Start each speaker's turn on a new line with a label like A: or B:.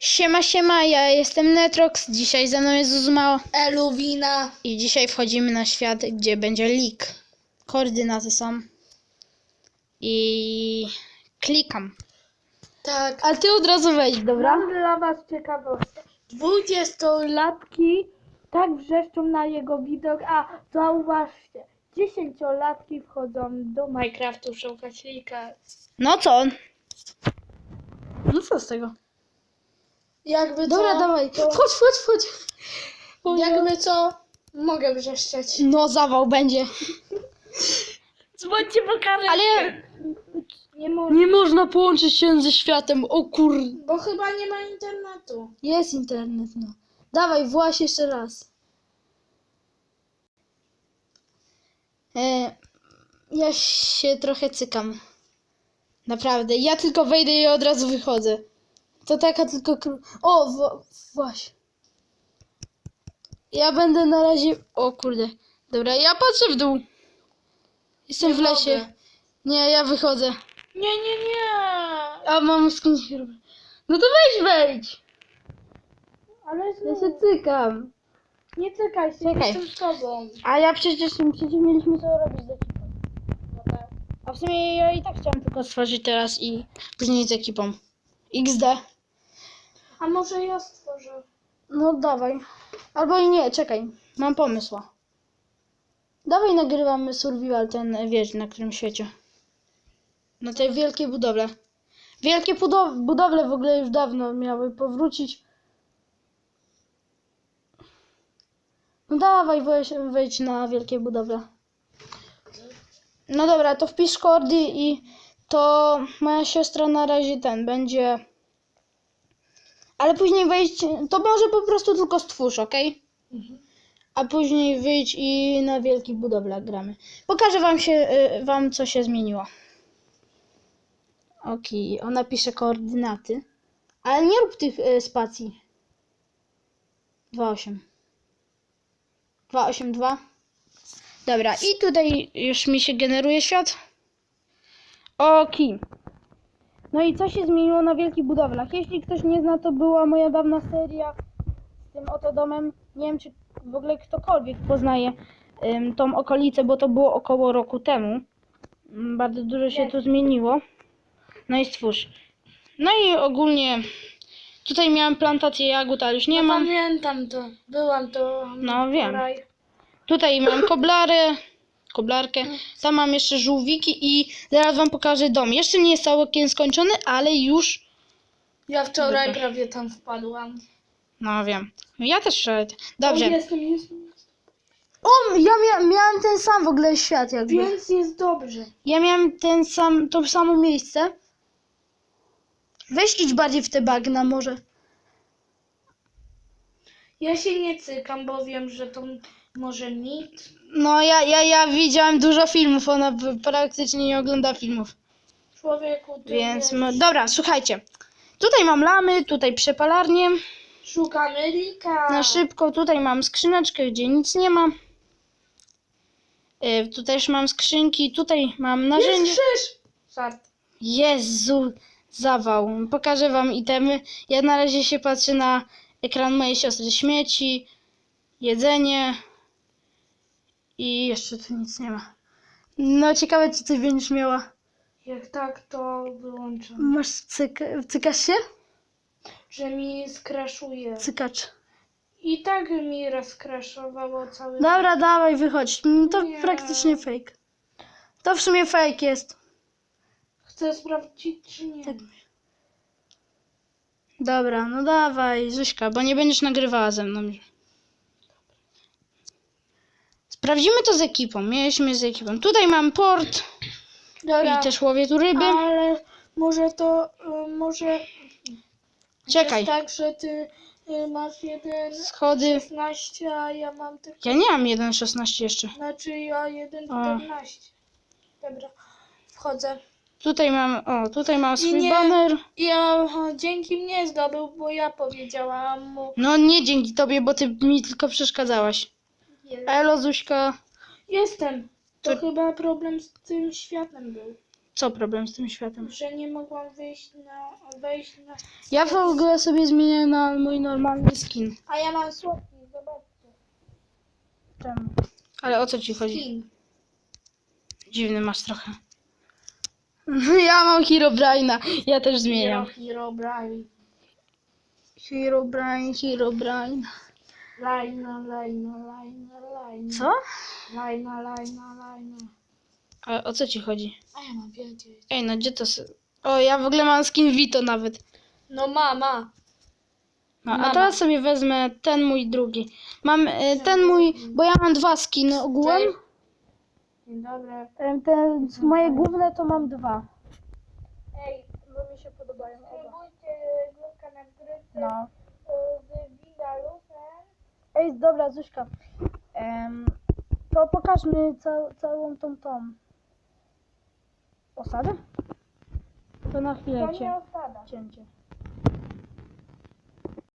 A: Siema, siema, ja jestem Netrox, dzisiaj ze mną jest Zuzmao
B: Eluwina.
A: i dzisiaj wchodzimy na świat, gdzie będzie leak. Koordynaty są i klikam.
B: Tak.
A: A ty od razu wejdź, dobra?
B: Mam dla was ciekawostkę. 20-latki tak wrzeszczą na jego widok, a zauważcie, 10-latki wchodzą do Minecraftu szukać lika.
A: No co? No co z tego?
B: Jakby
A: Dobra,
B: co,
A: dawaj,
B: to,
A: wchodź.
B: jakby co, mogę wrzeszczeć.
A: No zawał będzie.
B: Dzwońcie po karę.
A: Ale
B: Nie mogę,
A: nie można połączyć się ze światem, o kur...
B: bo chyba nie ma internetu.
A: Jest internet, no. Dawaj, właź jeszcze raz. Ja się trochę cykam. Naprawdę. Ja tylko wejdę i od razu wychodzę. To taka tylko... O, właśnie. Ja będę na razie... O kurde. Dobra, ja patrzę w dół. Jestem
B: Nie
A: w lesie.
B: mogę.
A: Nie, ja wychodzę.
B: Nie.
A: A mam skrzynkę. No to wejdź.
B: Ale
A: Ja
B: znów,
A: się cykam.
B: nie cykaj się,
A: Czekaj.
B: jestem z tobą.
A: A ja przecież mieliśmy co robić z ekipą.
B: No tak.
A: A w sumie ja i tak chciałam tylko stworzyć teraz i później z ekipą. XD.
B: A może ja stworzę?
A: No dawaj. Albo i nie, czekaj. Mam pomysł. Dawaj nagrywamy survival ten, wiesz, na którym świecie. Na tej wielkiej budowle. Wielkie budowle w ogóle już dawno miały powrócić. No dawaj, wejdź na wielkie budowle. No dobra, to wpisz kordy i to moja siostra na razie będzie. Ale później wejdź, to może po prostu tylko stwórz, ok? A później wyjdź i na wielkich budowlach gramy. Pokażę wam co się zmieniło. Ok, ona pisze koordynaty. Ale nie rób tych spacji. 2,8. 2,8,2. Dobra, i tutaj już mi się generuje świat. Ok. No i co się zmieniło na wielkich budowlach? Jeśli ktoś nie zna, to była moja dawna seria z tym oto domem. Nie wiem, czy w ogóle ktokolwiek poznaje tą okolicę, bo to było około roku temu. Bardzo dużo się tu zmieniło. No i stwórz. No i ogólnie tutaj miałem plantację jagód, ale już nie mam.
B: Pamiętam to. Byłam to.
A: No wiem.
B: wczoraj.
A: Tutaj mam koblarkę. Tam mam jeszcze żółwiki i zaraz wam pokażę dom. Jeszcze nie jest całkiem skończony, ale już...
B: Ja wczoraj
A: Dobra.
B: prawie tam wpadłam.
A: No wiem. Ja też wczoraj. Dobrze.
B: O, jestem.
A: O, ja miałem ten sam w ogóle świat jakby.
B: Więc jest dobrze.
A: Ja miałem to samo miejsce. Weź idź bardziej w te bagna może.
B: Ja się nie cykam, bo wiem, że to może nic.
A: No ja widziałem dużo filmów, ona praktycznie nie ogląda filmów.
B: Człowieku, ty
A: Więc,
B: wiesz,
A: dobra, słuchajcie. Tutaj mam lamy, tutaj przepalarnię.
B: szukamy lika.
A: Na szybko, tutaj mam skrzyneczkę, gdzie nic nie ma. Tu też mam skrzynki, tutaj mam narzędzia.
B: Jest krzyż! Żart.
A: Jezu, zawał. Pokażę wam itemy. Ja na razie się patrzę na ekran mojej siostry. Śmieci, jedzenie i jeszcze tu nic nie ma. No ciekawe, czy ty będziesz miała.
B: Jak tak, to wyłączam.
A: Masz cykasz się?
B: Że mi skraszuje.
A: Cykacz.
B: I tak mi rozkraszowało cały.
A: Dobra, dawaj, wychodź. To
B: Nie.
A: praktycznie fake. To w sumie fake jest.
B: Chcę sprawdzić, czy nie.
A: Tak. Dobra, no dawaj, Zuśka, bo nie będziesz nagrywała ze mną. Sprawdzimy to z ekipą. Mieliśmy z ekipą. Tutaj mam port
B: Dobra,
A: i też łowię tu ryby.
B: ale może to, może
A: Czekaj,
B: jest tak, że ty masz
A: schody.
B: 1,16, a ja mam tylko,
A: Ja nie mam 1,16 jeszcze.
B: znaczy ja 1,14. Dobra, wchodzę.
A: Tutaj mam swój
B: nie.
A: baner.
B: Ja dzięki mnie zdobył, bo ja powiedziałam mu.
A: No nie dzięki tobie, bo ty mi tylko przeszkadzałaś. Elo, Zuśka.
B: Jestem. To
A: To-
B: chyba problem z tym światem był.
A: Co problem z tym światem?
B: Że nie mogłam wejść na...
A: Ja w ogóle sobie zmienię na mój normalny skin.
B: A ja mam słodki, zobaczcie.
A: Czemu? Ale o co ci chodzi?
B: Skin.
A: Dziwny masz trochę. Ja mam Herobrine'a. Ja też zmieniam.
B: Herobrine.
A: Herobrine.
B: Lajna.
A: Co?
B: Lajna.
A: A o co ci chodzi?
B: A ja mam wiedzieć.
A: Ej, no gdzie to... O, ja w ogóle mam skin Vito nawet.
B: No mama.
A: No, a
B: Mama.
A: teraz sobie wezmę ten mój drugi. Mam ten mój, bo ja mam 2 skiny ogółem.
B: Cześć. Dzień dobry.
A: Te moje główne to mam 2.
B: Ej, bo mi się podobają. Spróbujcie górka na gryce
A: No.
B: z Windalusem.
A: Ej, dobra, Zuśka. To pokażmy całą tą osadę. To na chwilę
B: To nie osada.
A: cięcie.